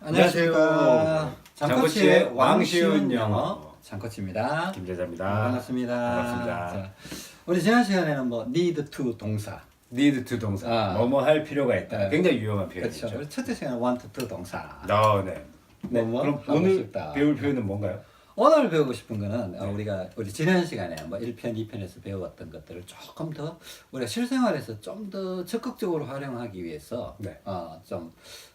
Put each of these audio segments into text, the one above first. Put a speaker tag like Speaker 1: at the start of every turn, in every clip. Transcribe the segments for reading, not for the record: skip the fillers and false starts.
Speaker 1: 안녕하세요. 장코치의 왕쉬운 영어 장코치입니다.
Speaker 2: 김재자입니다.
Speaker 1: 반갑습니다.
Speaker 2: 반갑습니다.
Speaker 1: 자, 우리 지난 시간에는 뭐 need to 동사,
Speaker 2: need to 동사, 뭐뭐 할 필요가 있다.
Speaker 1: 네.
Speaker 2: 굉장히 유용한 표현이죠.
Speaker 1: 그렇죠. 우리 첫째 시간은 want to 동사.
Speaker 2: 네.
Speaker 1: 뭐뭐
Speaker 2: 그럼
Speaker 1: 하고
Speaker 2: 오늘
Speaker 1: 싶다.
Speaker 2: 배울 표현은 뭔가요?
Speaker 1: 오늘 배우고 싶은 거는 우리 지난 시간에 뭐 1편, 2편에서 배워왔던 것들을 조금 더 우리가 실생활에서 좀 더 적극적으로 활용하기 위해서
Speaker 2: 네.
Speaker 1: 좀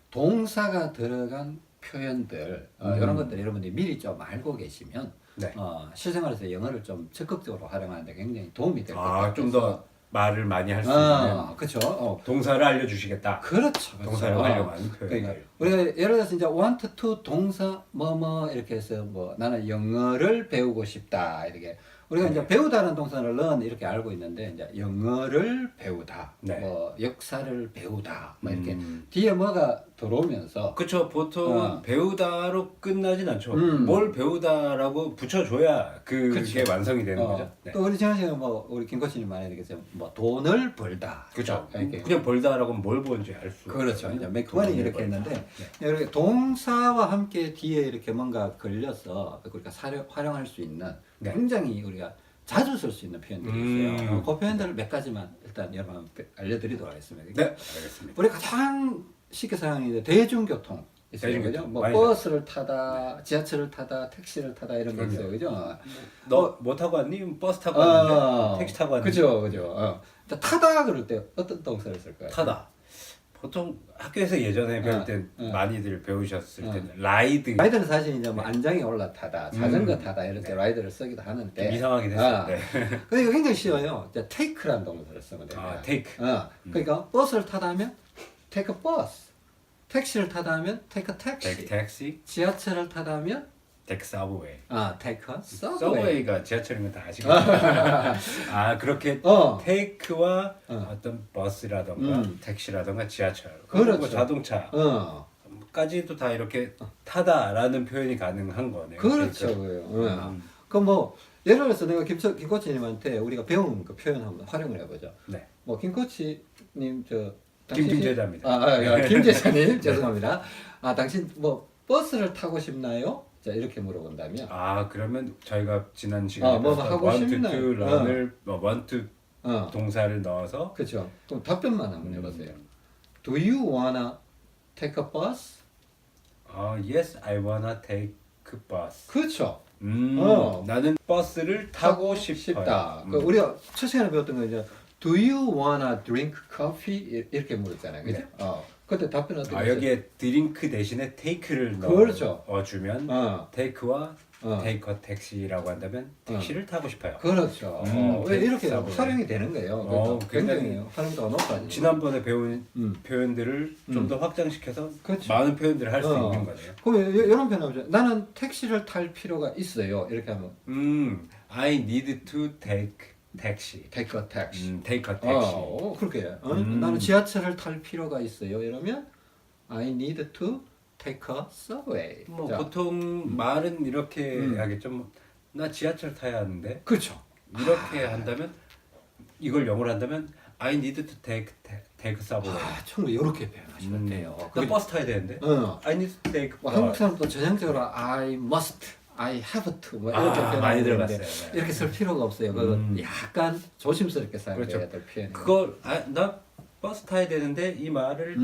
Speaker 1: 동사가 들어간 표현들 이런 것들 여러분들이 미리 좀 알고 계시면
Speaker 2: 네.
Speaker 1: 실생활에서 영어를 좀 적극적으로 활용하는데 굉장히 도움이 될 것 같아요.
Speaker 2: 좀 더 말을 많이 할 수 있는
Speaker 1: 그렇죠.
Speaker 2: 동사를 알려주시겠다.
Speaker 1: 그렇죠.
Speaker 2: 동사를 활용하는 표현들.
Speaker 1: 그러니까 우리가 예를 들어서 이제 want to 동사 뭐뭐 이렇게 해서 뭐 나는 영어를 배우고 싶다 이렇게 우리가 이제 배우다는 동사는 learn 이렇게 알고 있는데 이제 영어를 배우다,
Speaker 2: 네.
Speaker 1: 뭐 역사를 배우다, 뭐 이렇게 뒤에 뭐가 들어오면서
Speaker 2: 그렇죠. 보통 배우다로 끝나진 않죠. 뭘 배우다라고 붙여줘야 그게
Speaker 1: 그쵸.
Speaker 2: 완성이 되는 거죠. 네.
Speaker 1: 또 우리 지난 시간에 뭐 우리 김 코치님 말했듯이 뭐 돈을 벌다.
Speaker 2: 그렇죠.
Speaker 1: 이렇게.
Speaker 2: 그냥 벌다라고 하면 뭘 버는지 알 수.
Speaker 1: 그렇죠.
Speaker 2: 없어요.
Speaker 1: 이제 make money
Speaker 2: 돈을
Speaker 1: 이렇게
Speaker 2: 벌다.
Speaker 1: 했는데
Speaker 2: 네.
Speaker 1: 이렇게 동사와 함께 뒤에 이렇게 뭔가 걸려서 우리가 활용할 수 있는
Speaker 2: 네.
Speaker 1: 굉장히 우리가 자주 쓸 수 있는 표현들이 있어요. 그 표현들을 몇 가지만 일단 여러분 알려드리도록 하겠습니다.
Speaker 2: 네, 알겠습니다.
Speaker 1: 우리 가장 쉽게 사용하는 대중교통 있어요.
Speaker 2: 대중교통.
Speaker 1: 그죠? 뭐
Speaker 2: 많이
Speaker 1: 버스를 타다, 지하철을 타다, 택시를 타다 이런 게 있어요. 그죠?
Speaker 2: 너 뭐 타고 왔니? 버스 타고 왔는데? 택시 타고 왔는데?
Speaker 1: 그죠. 타다 그럴 때 어떤 동사를 쓸까요?
Speaker 2: 타다. 보통 학교에서 예전에 배울 때 많이들 배우셨을 때는 라이드.
Speaker 1: 라이드는 사실 이제 뭐 안장에 올라타다, 자전거 타다 이럴 때
Speaker 2: 네.
Speaker 1: 라이드를 쓰기도 하는데
Speaker 2: 좀 이상하게 됐어요. 네.
Speaker 1: 근데 이거 굉장히 쉬워요. 이제 take라는 동사를 쓰면 돼요.
Speaker 2: take.
Speaker 1: 그러니까 버스를 타다 하면 take a bus, 택시를 타다 하면 take a
Speaker 2: take
Speaker 1: taxi,
Speaker 2: taxi,
Speaker 1: 지하철을 타다 하면
Speaker 2: take subway.
Speaker 1: take a subway.
Speaker 2: 서브웨이가 지하철인 건 다 아시겠죠? 그렇게 take와 어떤 버스라던가 택시라던가 지하철,
Speaker 1: 그렇죠.
Speaker 2: 뭐 자동차 까지도 다 이렇게 타다라는 표현이 가능한 거네요.
Speaker 1: 그렇죠.
Speaker 2: take.
Speaker 1: 그럼 뭐 예를 들어서 내가 김 코치님한테 우리가 배운 그 표현 한번 활용을 해보죠.
Speaker 2: 네.
Speaker 1: 뭐 김 코치님
Speaker 2: 김제자입니다.
Speaker 1: 김제자님 죄송합니다. 당신 뭐 버스를 타고 싶나요? 자 이렇게 물어본다면
Speaker 2: 그러면 저희가 지난 시간에
Speaker 1: 뭐 하고
Speaker 2: want to
Speaker 1: 싶나요?
Speaker 2: run을 want to 동사를 넣어서
Speaker 1: 그렇죠. 그럼 답변만 한번 해보세요. Do you wanna take a bus?
Speaker 2: yes, I wanna take a bus.
Speaker 1: 그렇죠.
Speaker 2: 나는 버스를 타고 싶다.
Speaker 1: 그 우리가 첫 시간에 배웠던 거 이제 Do you wanna drink coffee? 이렇게 물었잖아요. 그죠? 그때 답변 어떻게 했어요?
Speaker 2: 여기에 드링크 대신에 take를
Speaker 1: 그렇죠.
Speaker 2: 넣어주면 take와 take a taxi라고 한다면 택시를 타고 싶어요.
Speaker 1: 그렇죠. 왜 이렇게 활용이 되는 거예요. 그러니까 굉장히 활용도가 높아지죠.
Speaker 2: 지난번에 배운 표현들을 좀 더 확장시켜서
Speaker 1: 그렇죠.
Speaker 2: 많은 표현들을 할 수 있는 거네요.
Speaker 1: 그러면 이런 표현 나오죠. 나는 택시를 탈 필요가 있어요. 이렇게 하면
Speaker 2: I need to take taxi.
Speaker 1: take a taxi.
Speaker 2: take a taxi.
Speaker 1: 그렇게. 나는 지하철을 탈 필요가 있어요. 이러면 I need to take a subway.
Speaker 2: 뭐
Speaker 1: 자,
Speaker 2: 보통 말은 이렇게 하겠죠. 나 지하철 타야 하는데
Speaker 1: 그렇죠.
Speaker 2: 이렇게 한다면 이걸 영어로 한다면 I need to take subway.
Speaker 1: 충분히 이렇게 표현하시면 돼요.
Speaker 2: 나 버스 타야 되는데. I need to take.
Speaker 1: 뭐 한국 사람도 전형적으로 I must, I have to 뭐 이렇게
Speaker 2: 많이
Speaker 1: 표현하는데
Speaker 2: 들어봤어요. 네.
Speaker 1: 이렇게 쓸 필요가 없어요. 그건 약간 조심스럽게 사용해야
Speaker 2: 그렇죠.
Speaker 1: 될 표현이에요.
Speaker 2: 그걸 나 버스 타야 되는데 이 말을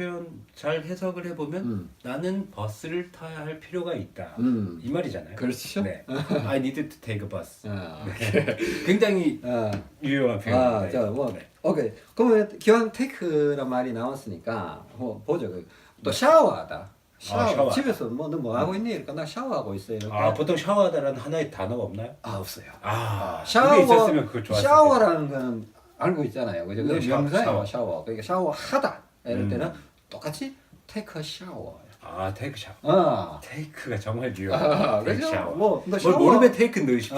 Speaker 2: 잘 해석을 해보면 나는 버스를 타야 할 필요가 있다. 이 말이잖아요.
Speaker 1: 그렇죠.
Speaker 2: 네. I need to take a bus. 네. 굉장히 유용한 표현인데. 네.
Speaker 1: 오케이. 그러면 기왕 테이크란 말이 나왔으니까 보죠. 또 샤워하다. 샤워. 집에서 너 하고 있니? 그러니까 나 샤워하고 있어요. 이렇게.
Speaker 2: 보통 샤워하다라는 하나의 단어가 없나요?
Speaker 1: 없어요.
Speaker 2: 그게 있었으면 그거 좋았을
Speaker 1: 샤워라는 거는 알고 있잖아요. 그죠?
Speaker 2: 네,
Speaker 1: 명사예요. 샤워. 그러니까 샤워하다. 이럴 때는 똑같이 take a shower.
Speaker 2: take 샤워. take가 정말 유용하다. take
Speaker 1: 그죠?
Speaker 2: 샤워.
Speaker 1: 너
Speaker 2: 뭘 모르면 take 넣으십시오.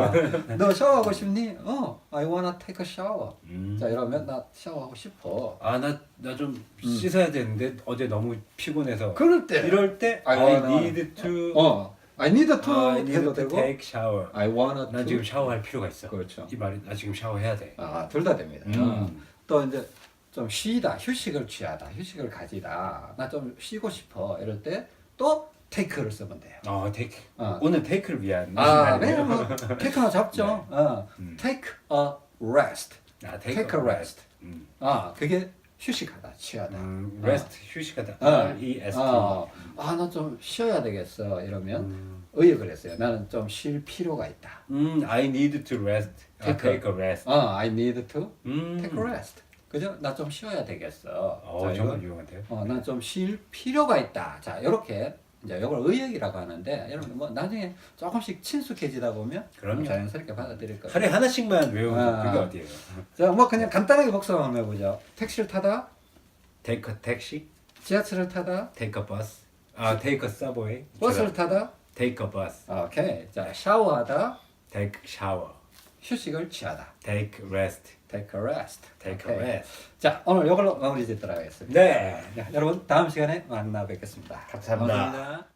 Speaker 1: 너 샤워하고 싶니? I wanna take a shower. 자 이러면 나 샤워하고 싶어.
Speaker 2: 나 좀 씻어야 되는데 어제 너무 피곤해서.
Speaker 1: 그럴 때.
Speaker 2: 이럴 때 I need to.
Speaker 1: I need to
Speaker 2: I need
Speaker 1: 해도
Speaker 2: to
Speaker 1: 되고.
Speaker 2: take shower.
Speaker 1: I wanna
Speaker 2: 난
Speaker 1: to.
Speaker 2: 지금 샤워할 필요가 있어.
Speaker 1: 그렇죠.
Speaker 2: 이 말이 나 지금 샤워해야 돼.
Speaker 1: 둘 다 됩니다. 또 이제 좀 쉬다, 휴식을 취하다, 휴식을 가지다. 나 좀 쉬고 싶어. 이럴 때 또 take를 쓰면 돼요.
Speaker 2: take.
Speaker 1: 어.
Speaker 2: 오늘 take를 위한
Speaker 1: 왜냐면 뭐 take 하나 잡죠. take a rest. take a rest. 그게 휴식하다, 취하다.
Speaker 2: rest 휴식하다. R-E-S-T.
Speaker 1: 나 좀 쉬어야 되겠어. 이러면 의역을 했어요. 나는 좀 쉴 필요가 있다.
Speaker 2: I need to rest. Take a rest.
Speaker 1: I need to take a rest. 그죠? 나 좀 쉬어야 되겠어.
Speaker 2: 정말 유용한데요.
Speaker 1: 난 좀 쉴 필요가 있다. 자, 이렇게 이제 이걸 의역이라고 하는데 여러분 뭐 나중에 조금씩 친숙해지다 보면
Speaker 2: 그럼요.
Speaker 1: 자연스럽게 받아들일 거예요.
Speaker 2: 하루에 하나씩만 외우면 그게 어디예요?
Speaker 1: 자, 뭐 그냥 간단하게 복습 한번 해보죠. 택시를 타다,
Speaker 2: Take a taxi.
Speaker 1: 지하철을 타다,
Speaker 2: Take a bus. Take a subway.
Speaker 1: 버스를 타다.
Speaker 2: Take a bus.
Speaker 1: 오케이. 자, 샤워하다,
Speaker 2: Take shower.
Speaker 1: 휴식을 취하다.
Speaker 2: Take rest.
Speaker 1: Take a rest.
Speaker 2: Take a
Speaker 1: 오케이.
Speaker 2: rest.
Speaker 1: 자, 오늘 이걸로 마무리 짓도록 하겠습니다.
Speaker 2: 네.
Speaker 1: 자, 여러분 다음 시간에 만나 뵙겠습니다.
Speaker 2: 감사합니다.
Speaker 1: 고맙습니다.